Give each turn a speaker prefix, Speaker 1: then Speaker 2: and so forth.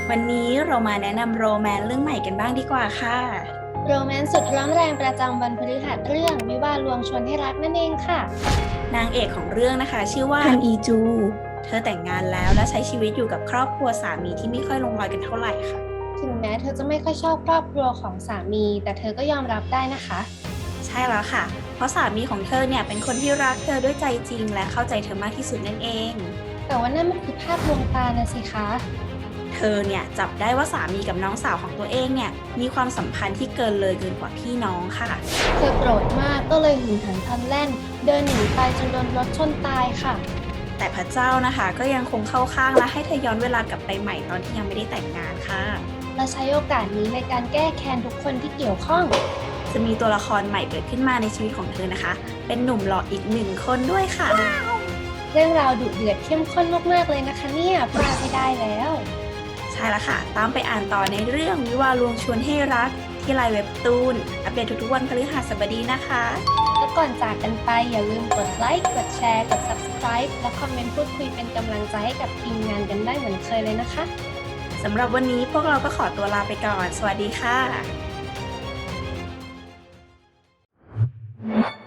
Speaker 1: วันนี้เรามาแนะนำโรแมนต์เรื่องใหม่กันบ้างดีกว่าค่ะ
Speaker 2: โรแมนต์สุดร้อนแรงประจำวันพฤหัสเรื่องวิวาห์ลวงชวนให้รักนั่นเองค่ะ
Speaker 1: นางเอกของเรื่องนะคะชื่อว่าฮันอีจูเธอแต่งงานแล้วและใช้ชีวิตอยู่กับครอบครัวสามีที่ไม่ค่อยลงรอยกันเท่าไหร่ค่ะ
Speaker 2: ถึงแม้เธอจะไม่ค่อยชอบครอบครัวของสามีแต่เธอก็ยอมรับได้นะคะ
Speaker 1: ใช่แล้วค่ะเพราะสามีของเธอเนี่ยเป็นคนที่รักเธอด้วยใจจริงและเข้าใจเธอมากที่สุดนั่นเอง
Speaker 2: แต่ว่านั่นมันคือภาพลวงตานะสิคะ
Speaker 1: เธอเนี่ยจับได้ว่าสามีกับน้องสาวของตัวเองเนี่ยมีความสัมพันธ์ที่เกินเลยเกินกว่าพี่น้องค่ะ
Speaker 2: เธอโกรธมากก็เลยหึงหันพลันแล่นเดินหนีไปจนโดนรถชนตายค่ะ
Speaker 1: แต่พระเจ้านะคะก็ยังคงเข้าข้างและให้เธอย้อนเวลากลับไปใหม่ตอนที่ยังไม่ได้แต่งงานค่ะ
Speaker 2: และใช้โอกาสนี้ในการแก้แค้นทุกคนที่เกี่ยวข้อง
Speaker 1: จะมีตัวละครใหม่เกิดขึ้นมาในชีวิตของเธอนะคะ เป็นหนุ่มหล่ออีก1 คนด้วยค่ะ
Speaker 2: เรื่องราวดุเดือดเข้มข้นมากๆเลยนะคะเนี่ยพลาดไม่ได้แล้ว
Speaker 1: ใช่แล้วค่ะ ตามไปอ่านต่อในเรื่องวิวาห์ลวงชวนให้รักที่ไลน์เว็บตูนอัปเดตทุกๆวันพฤหัสบดีนะคะ
Speaker 2: และก่อนจากกันไปอย่าลืมกดไลค์ กดแชร์ กด Subscribe และคอมเมนต์พูดคุยเป็นกำลังใจให้กับทีมงานกันได้เหมือนเคยเลยนะคะ
Speaker 1: สำหรับวันนี้พวกเราก็ขอตัวลาไปก่อน สวัสดีค่ะ